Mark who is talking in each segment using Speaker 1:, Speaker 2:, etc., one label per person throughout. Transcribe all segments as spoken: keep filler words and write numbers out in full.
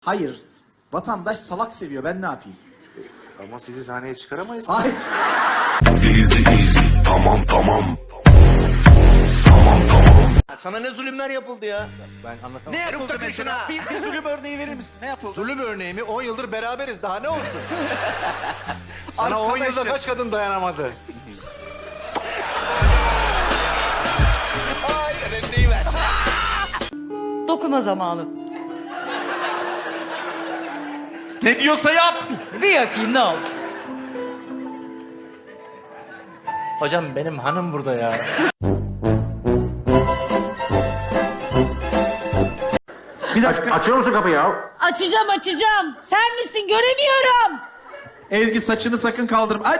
Speaker 1: Hayır. Vatandaş salak seviyor. Ben ne yapayım?
Speaker 2: Ama sizi sahneye çıkaramayız.
Speaker 1: Hayır.
Speaker 3: Easy easy tamam tamam. Tamam tamam.
Speaker 4: Sana ne zulümler yapıldı ya?
Speaker 2: Ben anlatamam.
Speaker 4: Ne yapıldı mesela? Bir, bir zulüm örneği verir misin? Ne yapıldı?
Speaker 2: Zulüm örneği mi? on yıldır beraberiz. Daha ne olsun? Sana on yılda
Speaker 4: Arkadaşım.
Speaker 2: kaç kadın dayanamadı?
Speaker 4: Hayır, örneği ver.
Speaker 5: Dokuma zamanı.
Speaker 4: Ne diyorsa yap.
Speaker 5: Bir yapayım ne olur.
Speaker 2: Hocam benim hanım burada ya.
Speaker 1: Bir dakika.
Speaker 2: Açıyor musun kapıyı ya?
Speaker 6: Açacağım açacağım. Sen misin göremiyorum.
Speaker 1: Ezgi saçını sakın kaldırma. Ay!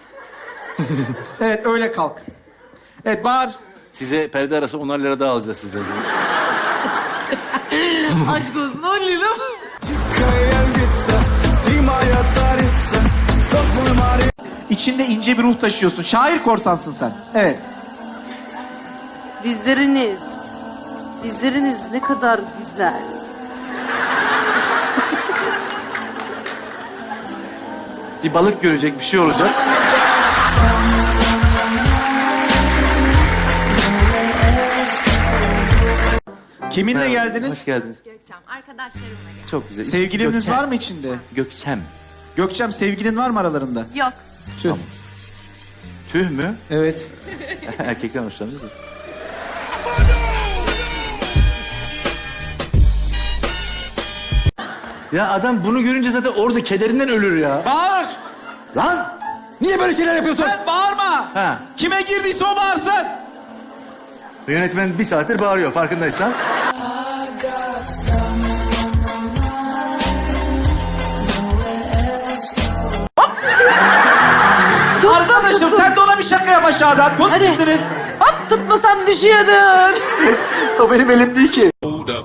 Speaker 1: Evet öyle kalk. Evet bağır.
Speaker 7: Size perde arası onar lira daha alacağız sizden.
Speaker 6: Aşk olsun on lira mı?
Speaker 1: İçinde ince bir ruh taşıyorsun. Şair korsansın sen. Evet.
Speaker 6: Dizleriniz. Dizleriniz ne kadar güzel.
Speaker 7: Bir balık görecek, bir şey olacak.
Speaker 1: Kiminle
Speaker 7: Hoş
Speaker 1: geldiniz?
Speaker 7: geldiniz.
Speaker 8: Gökçem, arkadaşlarımla geldim.
Speaker 7: Çok güzel.
Speaker 1: Sevgiliniz
Speaker 7: Gökçem.
Speaker 1: var mı içinde?
Speaker 7: Gökçem.
Speaker 1: Gökçem sevgilin var mı aralarında?
Speaker 8: Yok.
Speaker 1: Tüh.
Speaker 7: Tüh mü?
Speaker 1: Evet.
Speaker 7: Erkekten hoşlanıyor da. Ya adam bunu görünce zaten orada kederinden ölür ya.
Speaker 1: Bağır.
Speaker 7: Lan! Niye böyle şeyler yapıyorsun?
Speaker 1: Sen bağırma.
Speaker 7: Ha.
Speaker 1: Kime girdiyse o bağırsın.
Speaker 7: Yönetmen bir saattir bağırıyor farkındaysan.
Speaker 1: Arkadaşım sen de ona bir şaka yap aşağıdan. Tut gitsiniz.
Speaker 6: Hop tutmasam düşüyordur.
Speaker 1: O benim elim değil ki.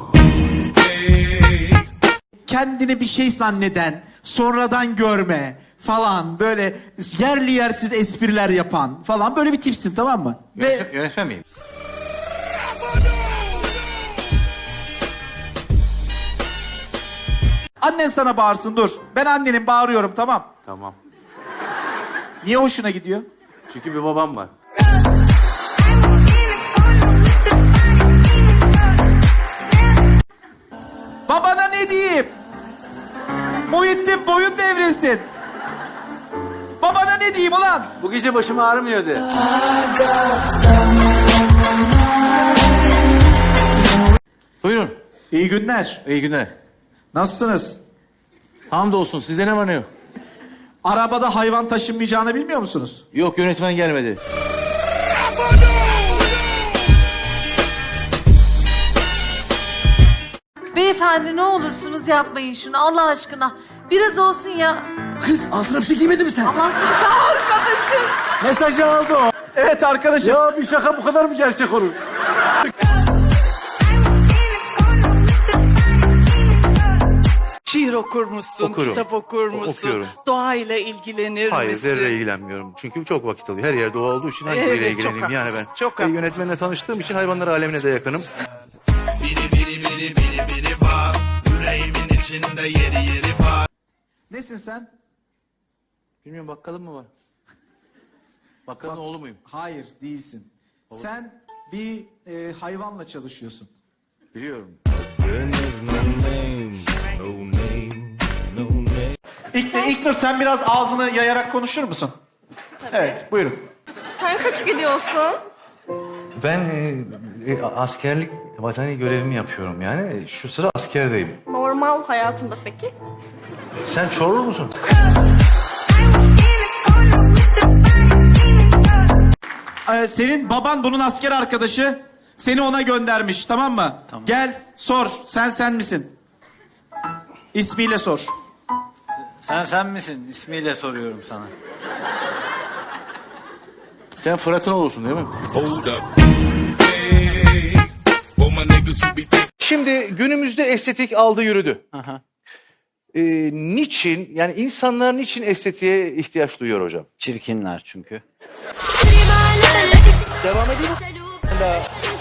Speaker 1: Kendini bir şey zanneden, sonradan görme falan böyle yerli yersiz espriler yapan falan böyle bir tipsin tamam mı? Ve
Speaker 7: Yönetmen, yönetmen miyim?
Speaker 1: annen sana bağırsın dur. Ben annenin bağırıyorum tamam.
Speaker 7: Tamam.
Speaker 1: Niye hoşuna gidiyor?
Speaker 7: Çünkü bir babam var.
Speaker 1: Babana ne diyeyim? Muhittin boyun devresin. Babana ne diyeyim ulan?
Speaker 7: Bu gece başım ağrımıyordu. Buyurun.
Speaker 1: İyi günler.
Speaker 7: İyi günler.
Speaker 1: Nasılsınız?
Speaker 7: Hamdolsun. Sizde ne var ne yok?
Speaker 1: Arabada hayvan taşınmayacağını bilmiyor musunuz?
Speaker 7: Yok yönetmen gelmedi.
Speaker 6: Beyefendi ne olursunuz yapmayın şunu Allah aşkına. Biraz olsun ya.
Speaker 7: Kız altına bir şey giymedi mi sen?
Speaker 6: Allah sizi arkadaşım.
Speaker 7: Mesajı aldı o.
Speaker 1: Evet arkadaşım.
Speaker 7: Ya bir şaka bu kadar mı gerçek olur?
Speaker 9: Şiir okur musun?
Speaker 10: Okurum.
Speaker 9: Kitap okur musun?
Speaker 10: Okuyorum.
Speaker 9: Doğayla ilgilenir
Speaker 10: Hayır,
Speaker 9: misin?
Speaker 10: zerre ilgilenmiyorum. Çünkü çok vakit alıyor. Her yerde doğa olduğu için hangi
Speaker 9: Evet,
Speaker 10: biriyle
Speaker 9: çok
Speaker 10: ilgileneyim yani ben.
Speaker 9: haklısın, çok
Speaker 10: Ve
Speaker 9: haklısın.
Speaker 10: yönetmenle tanıştığım için hayvanlar alemine de yakınım.
Speaker 1: Nesin sen?
Speaker 7: Bilmiyorum bakkalım mı var? Bakkalın oğlu muyum?
Speaker 1: Hayır değilsin. Sen bir e, hayvanla çalışıyorsun.
Speaker 7: Biliyorum.
Speaker 1: İlk, İlknur sen biraz ağzını yayarak konuşur musun? Evet buyurun.
Speaker 8: Sen kaç gidiyorsun?
Speaker 10: Ben e, e, askerlik vatani görevimi yapıyorum yani. Şu sıra askerdeyim.
Speaker 8: Normal hayatında peki?
Speaker 10: Sen Çorlu musun?
Speaker 1: Ee, senin baban bunun asker arkadaşı. Seni ona göndermiş tamam mı? Gel sor sen sen misin? İsmiyle sor.
Speaker 11: Sen sen misin? İsmiyle soruyorum sana.
Speaker 7: Sen Fırat'ın oğlusun değil mi?
Speaker 10: Şimdi günümüzde estetik aldı yürüdü. Ee, niçin, yani insanlar niçin estetiğe ihtiyaç duyuyor hocam?
Speaker 11: Çirkinler çünkü.
Speaker 10: Devam edeyim mi?